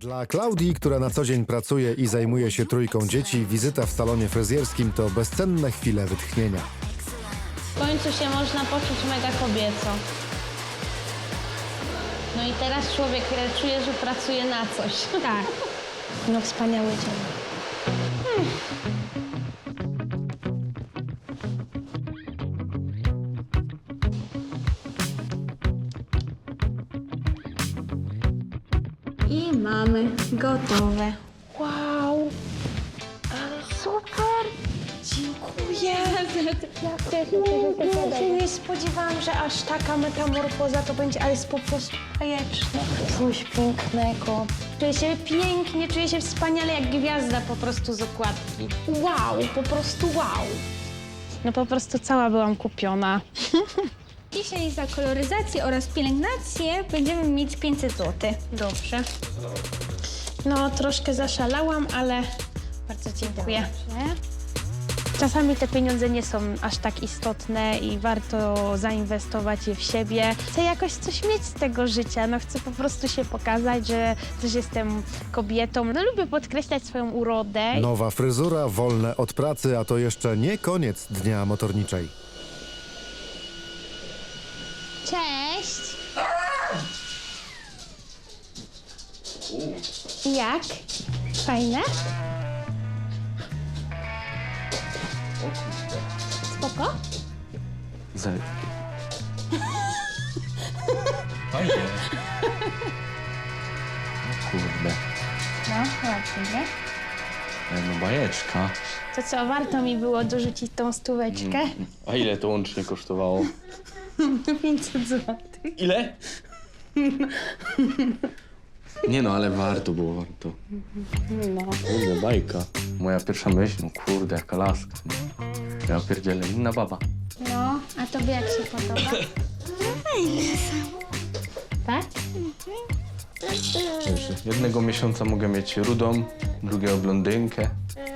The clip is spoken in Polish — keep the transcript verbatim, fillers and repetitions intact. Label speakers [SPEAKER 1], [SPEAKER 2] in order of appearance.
[SPEAKER 1] Dla Klaudii, która na co dzień pracuje i zajmuje się trójką dzieci, wizyta w salonie fryzjerskim to bezcenne chwile wytchnienia.
[SPEAKER 2] W końcu się można poczuć mega kobieco. No i teraz człowiek czuje, że pracuje na coś.
[SPEAKER 3] Tak. No wspaniały dzień. Hmm. I mamy gotowe. Wow! Ale super! Dziękuję! Ja się nie spodziewałam, że aż taka metamorfoza to będzie, ale jest po prostu bajeczne. Coś pięknego. Czuję się pięknie, czuję się wspaniale jak gwiazda po prostu z okładki. Wow, po prostu wow. No po prostu cała byłam kupiona.
[SPEAKER 4] Dzisiaj za koloryzację oraz pielęgnację będziemy mieć pięćset złotych.
[SPEAKER 2] Dobrze. No troszkę zaszalałam, ale bardzo dziękuję. Czasami te pieniądze nie są aż tak istotne i warto zainwestować je w siebie. Chcę jakoś coś mieć z tego życia, no chcę po prostu się pokazać, że też jestem kobietą. No lubię podkreślać swoją urodę.
[SPEAKER 1] Nowa fryzura, wolne od pracy, a to jeszcze nie koniec dnia motorniczej.
[SPEAKER 4] Cześć! Jak? Fajne? Spoko?
[SPEAKER 5] Za... Fajnie. Kurde.
[SPEAKER 4] No, ładnie, nie?
[SPEAKER 5] No bajeczka.
[SPEAKER 2] To co, warto mi było dorzucić tą stóweczkę?
[SPEAKER 5] A ile to łącznie kosztowało?
[SPEAKER 2] pięćset złotych.
[SPEAKER 5] Ile? Nie no, ale warto było, warto.
[SPEAKER 2] No.
[SPEAKER 5] Kurde, bajka. Moja pierwsza myśl, no kurde, jaka laska. Ja pierdzielę, inna baba.
[SPEAKER 4] No, a tobie jak się podoba?
[SPEAKER 2] Tak?
[SPEAKER 5] Dobrze. Jednego miesiąca mogę mieć rudą, drugiego blondynkę.